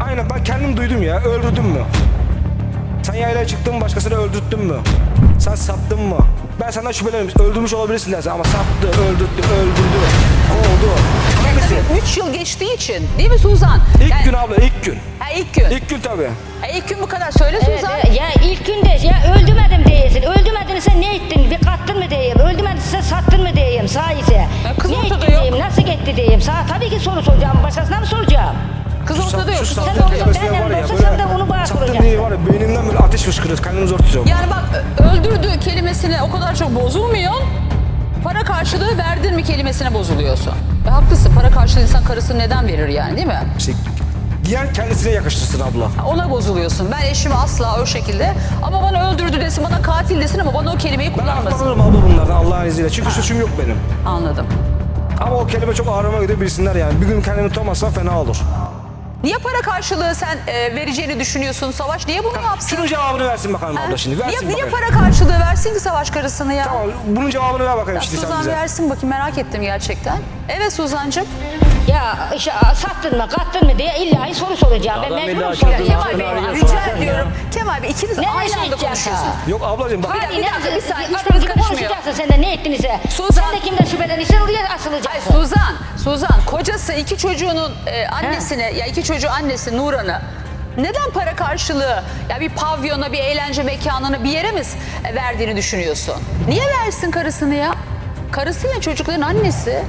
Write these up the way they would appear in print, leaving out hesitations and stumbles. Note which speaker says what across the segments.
Speaker 1: Aynen, ben kendim duydum ya. Öldürdün mü? Sen yaylaya çıktın mı, başkasını öldürttün mü? Sen sattın mı? Ben senden şüpheleniyorum. Öldürmüş olabilirsin dersin ama sattı, öldürdü, kovdu. Hangisi?
Speaker 2: 3 yıl geçtiği için değil mi Suzan?
Speaker 1: İlk gün abla, ilk gün.
Speaker 2: Ha, ilk gün.
Speaker 1: İlk gün tabii.
Speaker 2: İlk gün bu kadar. Söyle Suzan.
Speaker 3: Ya ilk günde ya öldürmedim diyesin. Öldürmedinse ne ettin? Bir kattın mı diyeyim. Öldürmedinse sattın mı diyeyim sahise.
Speaker 2: kız
Speaker 3: Ne
Speaker 2: ortada
Speaker 3: ettin
Speaker 2: yok.
Speaker 3: diyeyim. Nasıl gitti diyeyim. Sana tabii ki soru soracağım. Başkasına mı soracağım?
Speaker 2: Kız ortada yok.
Speaker 1: Şu
Speaker 3: Sen
Speaker 1: sattığın
Speaker 3: olsa
Speaker 1: kelimesine
Speaker 3: benden
Speaker 1: var ya,
Speaker 3: olsa
Speaker 1: böyle
Speaker 3: sen de onu bana
Speaker 1: sattığın
Speaker 3: soracaksın.
Speaker 1: diye var ya, beynimden böyle ateş fışkırıyor. Kendimi zor tutuyorum.
Speaker 2: Yani bak, öldürdü kelimesine o kadar çok bozulmuyor. Para karşılığı verdin mi kelimesine bozuluyorsun. Haklısın, para karşılığı insan karısını neden verir yani, değil mi?
Speaker 1: İşte, diğer kendisine yakıştırsın abla.
Speaker 2: Ona bozuluyorsun. Ben eşimi asla o şekilde, ama bana öldürdü desin, bana katil desin ama bana o kelimeyi
Speaker 1: Ben
Speaker 2: kullanmasın.
Speaker 1: aklanırım abla bunlardan Allah'ın izniyle. Çünkü suçum yok benim.
Speaker 2: Anladım.
Speaker 1: Ama o kelime çok ağrıma gidiyor, bilsinler yani. Bir gün kendimi tutamazsam fena olur.
Speaker 2: Niye para karşılığı sen vereceğini düşünüyorsun Savaş? Niye bunu yapsın?
Speaker 1: Şunun cevabını versin bakalım abla şimdi. Versin
Speaker 2: Niye
Speaker 1: bakayım.
Speaker 2: para karşılığı versin ki Savaş karısını ya?
Speaker 1: Tamam, bunun cevabını ver bakayım
Speaker 2: Ya
Speaker 1: şimdi sen
Speaker 2: Suzan
Speaker 1: bize.
Speaker 2: versin bakayım, merak ettim gerçekten. Evet Suzan'cığım.
Speaker 3: Ya işte sattın mı kattın mı diye illa soru soracağım. Ben
Speaker 4: Adam
Speaker 3: mecburum
Speaker 4: illa
Speaker 3: soracağım.
Speaker 4: çocuğun
Speaker 2: Kemal Bey,
Speaker 4: Arıyor
Speaker 2: rica
Speaker 4: sorarken
Speaker 2: ediyorum.
Speaker 4: ya.
Speaker 2: Kemal Bey, ikiniz
Speaker 3: Ne
Speaker 2: aynı anda
Speaker 3: yaşayacağız
Speaker 2: konuşuyorsunuz.
Speaker 1: Yok ablacığım bak.
Speaker 2: Bir dakika, bir saniye, hiç
Speaker 3: Hiçbiriniz
Speaker 2: karışmayın.
Speaker 3: konuşacaksın sen de ne ettinizse.
Speaker 2: Suzan.
Speaker 3: Sen de kimden şüphelenirsen oraya
Speaker 2: Ay
Speaker 3: asılacaksın.
Speaker 2: Suzan, kocası iki çocuğunun annesine, ya iki çocuğu annesi Nuran'ı neden para karşılığı, ya bir pavyona, bir eğlence mekanına, bir yere mi verdiğini düşünüyorsun? Niye versin karısını ya? Karısı ya çocukların annesi.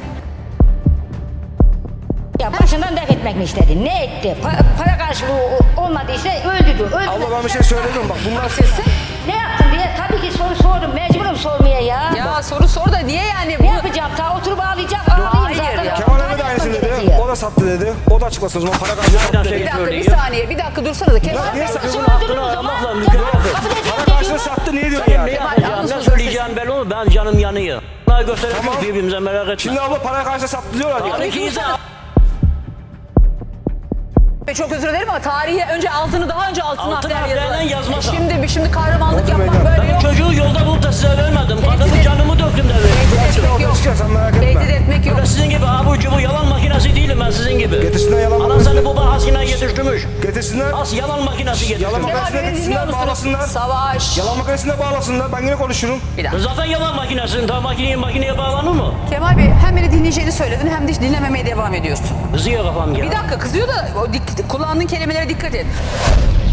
Speaker 3: Ya başından def etmek mi istedin? Ne etti? Para karşılığı olmadıysa öldürdü.
Speaker 1: Abla ben bir şey söyledim bak. Bunlar
Speaker 2: Sesi.
Speaker 3: Ne yaptın diye tabii ki soru sordum. Mecburum sormaya ya.
Speaker 2: Ya soru sor da niye yani?
Speaker 3: Ne yapacağım? Ta oturup ağlayacağım. Ağlayayım
Speaker 2: hayır
Speaker 3: zaten.
Speaker 2: ya.
Speaker 1: Kemal Emre de aynısını dedi. O da sattı dedi. O da açıklasın o zaman. Para karşılığı sattı
Speaker 2: Bir
Speaker 1: dedi.
Speaker 2: dakika, bir saniye, bir dakika dursana da Kemal.
Speaker 1: Niye satıyorsun?
Speaker 4: Hakkını aramakla mükellefim.
Speaker 1: Para karşılığı sattı niye diyorsun yani?
Speaker 4: Ne yapacağım, ne söyleyeceğim belli olur. Ben canım yanıyor. Bunları gösterelim
Speaker 1: Tamam.
Speaker 4: birbirimize, merak etme.
Speaker 1: Şimdi abla para karşılığı sattı diyorlar ya.
Speaker 4: Tabii ki insan.
Speaker 2: Çok özür dilerim ama tarihi önce altını, daha önce altını
Speaker 4: Altın
Speaker 2: harflerle
Speaker 4: harflerle yazmasa.
Speaker 2: Şimdi kahramanlık
Speaker 1: Oldu
Speaker 2: yapmak
Speaker 1: beyler.
Speaker 2: böyle
Speaker 4: Ben
Speaker 2: yok.
Speaker 4: çocuğu yolda bulup da size vermedim.
Speaker 2: Tehdit
Speaker 4: Kadını
Speaker 2: et-
Speaker 4: canımı döktüm de verdim.
Speaker 2: Tehdit etmek yok.
Speaker 1: Çıkar sen merak
Speaker 2: Tehdit
Speaker 1: etme.
Speaker 2: etmek yok.
Speaker 4: Ben sizin gibi abur cubur yalan makinesi değilim ben sizin gibi.
Speaker 1: Getirsinler yalan
Speaker 4: Anan
Speaker 1: makinesi.
Speaker 4: seni baba haskine getirtmiş.
Speaker 1: Getirsinler.
Speaker 4: As yalan makinesi getirmiş.
Speaker 1: Yalan
Speaker 2: Kemal
Speaker 1: makinesine
Speaker 2: beni dinliyor
Speaker 1: getirsinler,
Speaker 2: musunuz?
Speaker 1: bağlasınlar.
Speaker 2: Savaş.
Speaker 1: Yalan makinesine bağlasınlar. Ben yine konuşurum.
Speaker 2: Bir dakika.
Speaker 4: Zaten yalan makinesin. Ta makineye bağlanır mı?
Speaker 2: Kemal Bey, hem beni dinleyeceğini söyledin hem de hiç dinlememeye devam ediyorsun.
Speaker 4: Kızıyor kafam ya.
Speaker 2: Bir dakika, kızıyor da kullandığın kelimelere dikkat et.